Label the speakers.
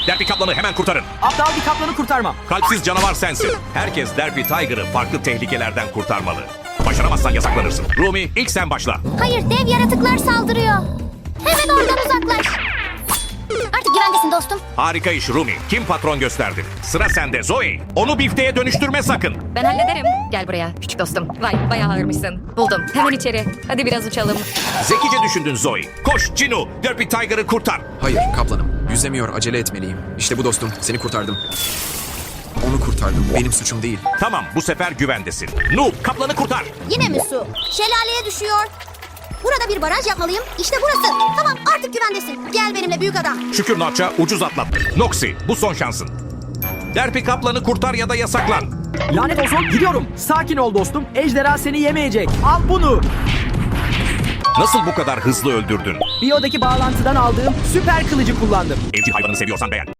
Speaker 1: Derpy Kaplan'ı hemen kurtarın.
Speaker 2: Aptal bir kaplanı kurtarmam.
Speaker 1: Kalpsiz canavar sensin. Herkes Derpy Tiger'ı farklı tehlikelerden kurtarmalı. Başaramazsan yasaklanırsın. Rumi, ilk sen başla.
Speaker 3: Hayır, dev yaratıklar saldırıyor. Hemen oradan uzaklaş. Artık güvendesin dostum.
Speaker 1: Harika iş Rumi. Kim patron gösterdi? Sıra sende Zoe. Onu bifteğe dönüştürme sakın.
Speaker 4: Ben hallederim. Gel buraya küçük dostum. Vay bayağı ağırmışsın. Buldum. Hemen içeri. Hadi biraz uçalım.
Speaker 1: Zekice düşündün Zoe. Koş Cinu, Derpy Tiger'ı kurtar.
Speaker 5: Hayır kaplanım. Yüzemiyor, acele etmeliyim. İşte bu dostum, seni kurtardım. Onu kurtardım, benim suçum değil.
Speaker 1: Tamam, bu sefer güvendesin. Noob, Kaplan'ı kurtar.
Speaker 3: Yine mi su? Şelaleye düşüyor. Burada bir baraj yapmalıyım. İşte burası. Tamam, artık güvendesin. Gel benimle büyük adam.
Speaker 1: Şükür Notch'a ucuz atlattı. Noxy, bu son şansın. Derpy Kaplan'ı kurtar ya da yasaklan.
Speaker 2: Lanet olsun, gidiyorum. Sakin ol dostum. Ejderha seni yemeyecek. Al bunu.
Speaker 1: Nasıl bu kadar hızlı öldürdün?
Speaker 2: Biyodaki bağlantıdan aldığım süper kılıcı kullandım.
Speaker 1: Evcil hayvanı seviyorsan beğen.